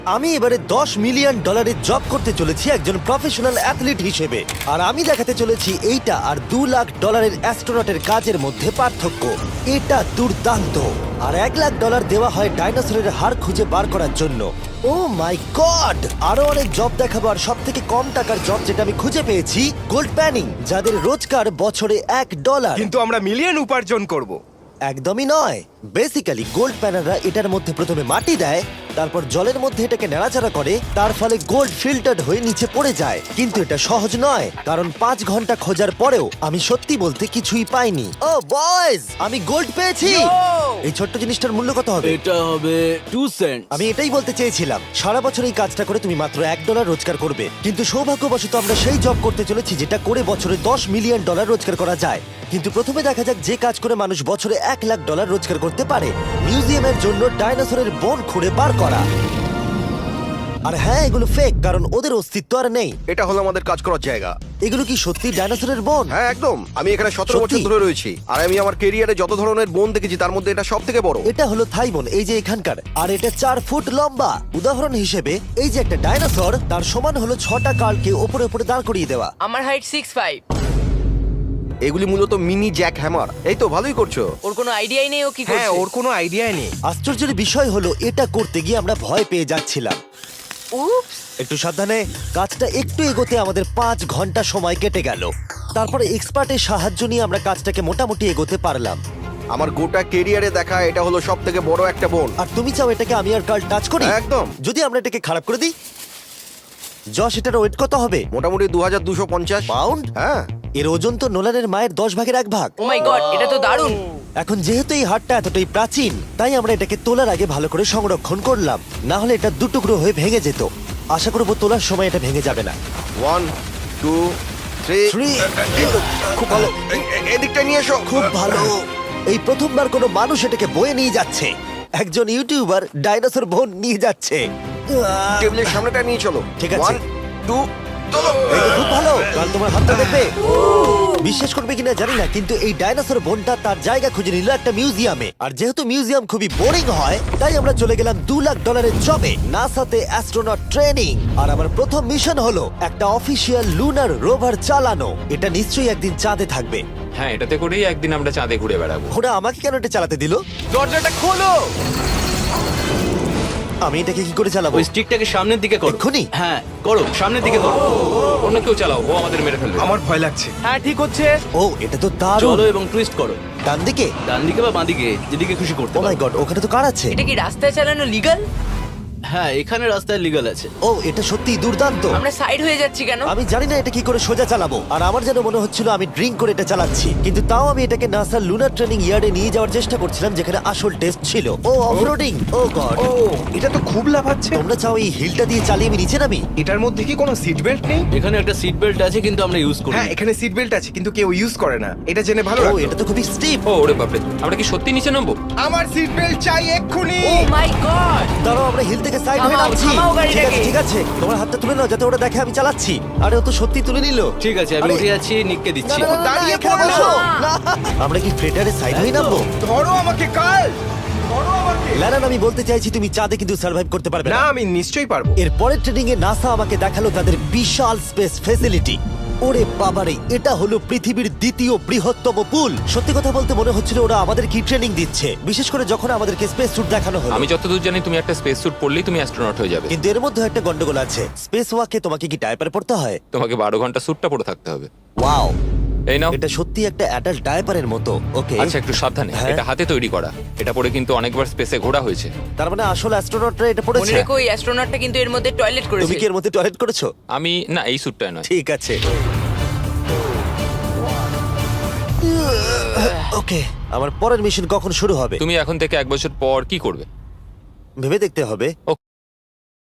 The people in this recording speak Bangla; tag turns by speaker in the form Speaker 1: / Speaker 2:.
Speaker 1: আমি এবারে $10 মিলিয়ন জব করতে চলেছি একজন প্রফেশনাল অ্যাথলিট হিসেবে। আর আমি দেখাতে চলেছি এইটা আর $2 লাখ অ্যাস্ট্রোনটের কাজের মধ্যে পার্থক্য। এটা দুর্দান্ত। আর $1 লাখ দেওয়া হয় ডাইনোসরের হাড় খুঁজে বার করার জন্য। Oh my god! আরো অনেক জব দেখাবো। আর সব থেকে কম টাকার জব যেটা আমি খুঁজে পেয়েছি, গোল্ড প্যানিং, যাদের রোজগার বছরে $1।
Speaker 2: কিন্তু আমরা মিলিয়ন উপার্জন করব।
Speaker 1: একদমই নয়। বেসিক্যালি গোল্ড প্যানাররা এটার মধ্যে প্রথমে মাটি দেয়, তারপর জলের মধ্যে এটাকে নাড়াচাড়া করে, তার ফলে গোল্ড ফিল্টার্ড হয়ে নিচে পড়ে যায়। কিন্তু এটা সহজ নয়, কারণ 5 ঘন্টা খোঁজার পরেও আমি সত্যি বলতে কিছুই পাইনি। ও বয়েজ, আমি গোল্ড পেয়েছি। এই ছোট্ট জিনিসটার মূল্য কত হবে?
Speaker 3: এটা হবে 2 সেন্ট।
Speaker 1: আমি এটাই বলতে চেয়েছিলাম। সারা বছর এই কাজটা করে তুমি মাত্র $1 রোজগার করবে, কিন্তু সৌভাগ্যবশত আমরা সেই জব করতে চলেছি যেটা করে বছরে $10 মিলিয়ন রোজগার করা যায়। কিন্তু প্রথমে দেখা যাক যে কাজ করে মানুষ বছরে $1 লাখ রোজগার করতে পারে। মিউজিয়ামের জন্য ডাইনোসরের বোন খুঁড়ে বার করা। আর হ্যাঁ, এগুলো ফেক, কারণ ওদের অস্তিত্ব আর নেই।
Speaker 4: এটা হলো আমাদের কাজ করার জায়গা।
Speaker 1: এগুলো কি সত্যি ডাইনোসরের বোন?
Speaker 4: হ্যাঁ একদম। আমি এখানে 17
Speaker 1: সত্যি?
Speaker 4: বছর ধরে রয়েছি, আর আমি আমার কেরিয়ারে যত ধরনের বোন দেখেছি তার মধ্যে এটা সব থেকে বড়।
Speaker 1: এটা হলো থাই বোন, এই যে এখানকার। আর এটা 4 ফুট লম্বা। উদাহরণ হিসেবে এই যে একটা ডাইনোসর, তার সমান হলো 6টা কালকে ওপরে ওপরে দাঁড় করিয়ে দেওয়া।
Speaker 5: আমার হাইট 6'5".
Speaker 4: এগুলি মূলত মিনি জ্যাক হ্যামার। এই তো ভালোই করছো।
Speaker 5: ওর কোনো আইডিয়াই নেই ও কি
Speaker 2: হ্যাঁ,
Speaker 5: করছে।
Speaker 2: ওর কোনো আইডিয়াই নেই।
Speaker 1: আশ্চর্যের বিষয় হলো এটা করতে গিয়ে আমরা ভয় পেয়ে যাচ্ছিলাম।
Speaker 5: উপস।
Speaker 1: একটু সাবধানে। কাজটা একটু এগোতে আমাদের 5 ঘন্টা সময় কেটে গেল। তারপরে এক্সপার্টের সাহায্য নিয়ে আমরা কাজটাকে মোটামুটি এগোতে পারলাম।
Speaker 4: আমার গোটা কেরিয়ারে দেখা এটা হলো সব থেকে বড় একটা বোন।
Speaker 1: আর তুমি চাও এটাকে আমি আর কাল টাচ করি?
Speaker 4: একদম।
Speaker 1: যদি আমরা এটাকে খারাপ করে দিই? যশ, এটার ওয়েট কত হবে?
Speaker 4: মোটামুটি 2250
Speaker 1: পাউন্ড?
Speaker 4: হ্যাঁ।
Speaker 1: এর ওজন তো নোলানের মায়ের 10 ভাগের 1 ভাগ।
Speaker 5: ও মাই গড, এটা তো দারুণ।
Speaker 1: এখন যেহেতু এই হাটটা এতটাই প্রাচীন, তাই আমরা এটাকে তোলার আগে ভালো করে সংরক্ষণ করলাম। না হলে এটা দুটুকরো হয়ে ভেঙে যেত। আশা করবো তোলার সময় এটা ভেঙে যাবে না।
Speaker 4: 1 2 3
Speaker 1: Three.
Speaker 4: খুব ভালো। এদিকটা নিয়ে এসো।
Speaker 1: খুব ভালো। এই প্রথমবার কোনো মানুষ এটাকে বয়ে নিয়ে যাচ্ছে। একজন ইউটিউবার ডাইনোসর বোন নিয়ে যাচ্ছে।
Speaker 4: টেবিলের সামনেটা নিয়ে চলো।
Speaker 1: ঠিক আছে।
Speaker 4: 1 2 চলো।
Speaker 1: এই তো খুব ভালো। কাল তোমার হাতটা দেখবে। বিশ্বাস করবে কিনা জানি না, কিন্তু এই ডাইনোসর বোনটা তার জায়গা খুঁজে নিল একটা মিউজিয়ামে। আর যেহেতু মিউজিয়াম খুবই বোরিং হয়, তাই আমরা চলে গেলাম $2 লাখ জবে, নাসাতে অ্যাস্ট্রোনট ট্রেনিং। আর আমার প্রথম মিশন হলো একটা অফিসিয়াল লুনার রোভার চালানো। এটা নিশ্চয়ই একদিন চাঁদে থাকবে।
Speaker 6: হ্যাঁ, এটাতে করেই একদিন আমরা চাঁদে ঘুরে বেড়াবো।
Speaker 1: ওরা আমাকে কেন এটা চালাতে দিল?
Speaker 2: দরজাটা খোলো।
Speaker 1: আমি এটাকে কি করে চালাবো?
Speaker 3: ওই স্টিকটাকে সামনের দিকে করো।
Speaker 1: এক্ষুনি?
Speaker 3: হ্যাঁ, করো, সামনের দিকে করো।
Speaker 6: অন্য কেউ চালাও, ও আমাদের মেরে ফেলবে।
Speaker 2: আমার ভয় লাগছে। হ্যাঁ, ঠিক হচ্ছে।
Speaker 1: ও, এটা তো দারুণ।
Speaker 3: চলো এবং টুইস্ট করো।
Speaker 1: ডান দিকে?
Speaker 3: ডান দিকে বা বাঁ দিকে, যেদিকে খুশি করতে
Speaker 1: ও মাই
Speaker 3: পারো।
Speaker 1: গড, ওখানে তো কার আছে?
Speaker 5: এটা কি রাস্তায় চালানো লিগ্যাল?
Speaker 3: হ্যাঁ, এখানে রাস্তায় লিগ্যাল আছে।
Speaker 1: ও, এটা সত্যিই দুর্দান্ত।
Speaker 5: আমরা সাইড হয়ে যাচ্ছি কেন?
Speaker 1: আমি জানি না এটা কি করে সোজা চালাবো। আর আমার যেন মনে হচ্ছিল আমি ড্রিঙ্ক করে এটা চালাচ্ছি। কিন্তু তাও আমি এটাকে নাসার লুনার ট্রেনিং ইয়ার্ডে নিয়ে যাওয়ার চেষ্টা করছিলাম, যেখানে আসল টেস্ট ছিল। ও অফরোডিং। ও গড।
Speaker 2: ও, এটা তো খুব লাফাচ্ছে।
Speaker 1: তোমরা চাও এই হিলটা দিয়ে চালিয়ে আমি নিচে নামি?
Speaker 2: এটার মধ্যে কি কোনো সিট বেল্ট নেই?
Speaker 3: এখানে একটা সিট বেল্ট আছে, কিন্তু আমরা ইউজ করি
Speaker 2: হ্যাঁ,
Speaker 3: না।
Speaker 2: এখানে সিট বেল্ট আছে কিন্তু কেউ ইউজ করে না। এটা জেনে ভালো
Speaker 1: ও,
Speaker 2: লাগলো।
Speaker 1: এটা তো খুবই স্টিপ।
Speaker 6: ও ওরে বাপরে, আমরা কি সত্যি নিচে নামবো?
Speaker 2: আমার সিট বেল্ট চাই এক্ষুনি।
Speaker 5: Oh my god.
Speaker 1: দাঁড়াও, আমরা হিল থেকে সাইড হয়ে
Speaker 5: থামাও,
Speaker 1: নামছি।
Speaker 5: থামাও গাড়িটাকে।
Speaker 1: ঠিক আছে, ঠিক আছে। তোমার হাতটা তুলে নাও যাতে ওরা দেখে আমি চালাচ্ছি। আরে ও তো সত্যি তুলে নিল।
Speaker 3: ঠিক আছে, আমি
Speaker 1: আরে,
Speaker 3: উঠে যাচ্ছি, নিককে
Speaker 1: না,
Speaker 3: দিচ্ছি।
Speaker 1: না, না, না,
Speaker 2: দাঁড়িয়ে
Speaker 1: এখানে
Speaker 2: পড়ো।
Speaker 1: বসো। না। আমরা কি ফ্রেটারে সাইড হয়ে নামবো?
Speaker 2: ধরো আমাকে কাল। ধরো আমাকে।
Speaker 1: ল্যারান, আমি বলতে চাইছি তুমি চাঁদে কিন্তু সার্ভাইভ করতে পারবে
Speaker 2: না,
Speaker 1: না।
Speaker 2: আমি নিশ্চয়ই পারবো।
Speaker 1: এর পরের ট্রেনিং এ নাসা আমাকে দেখালো তাদের বিশাল স্পেস ফেসিলিটি। ওরে বাবারে, এটা হলো পৃথিবীর দ্বিতীয় বৃহত্তম পুল। সত্যি কথা বলতে মনে হচ্ছিল ওরা আমাদের কি ট্রেনিং দিচ্ছে, বিশেষ করে যখন আমাদেরকে স্পেস স্যুট দেখানো হলো।
Speaker 6: আমি যতদূর জানি তুমি একটা স্পেস স্যুট পরলেই তুমি অ্যাস্ট্রোনট হয়ে যাবে।
Speaker 1: কিন্তু এর মধ্যে একটা গন্ডগোল আছে। স্পেস ওয়াকে তোমাকে কি ডায়পার পড়তে হয়?
Speaker 6: তোমাকে 12 ঘন্টা স্যুটটা পরে থাকতে হবে।
Speaker 1: ওয়াও,
Speaker 6: এই নাও।
Speaker 1: এটা সত্যি একটা অ্যাডাল্ট ডায়পারের মতো। ওকে,
Speaker 6: আচ্ছা, একটু সাবধানে।
Speaker 1: হ্যাঁ।
Speaker 6: এটা হাতে তৈরি করা। এটা পরে কিন্তু অনেকবার স্পেসে ঘোরা হয়েছে।
Speaker 1: তার মানে আসল অ্যাস্ট্রোনটরা এটা
Speaker 5: মনে
Speaker 1: পড়েছে।
Speaker 5: রেখো এই অ্যাস্ট্রোনটটা কিন্তু এর মধ্যে টয়লেট
Speaker 1: তুমি
Speaker 5: করেছে।
Speaker 1: কি এর মধ্যে টয়লেট করেছো?
Speaker 6: আমি না, এই স্যুটটায় নয়।
Speaker 1: ঠিক আছে। ওকে, আমার পরের মিশন কখন শুরু হবে
Speaker 6: তুমি এখন থেকে 1 বছর পর কি করবে?
Speaker 1: ভেবে দেখতে হবে।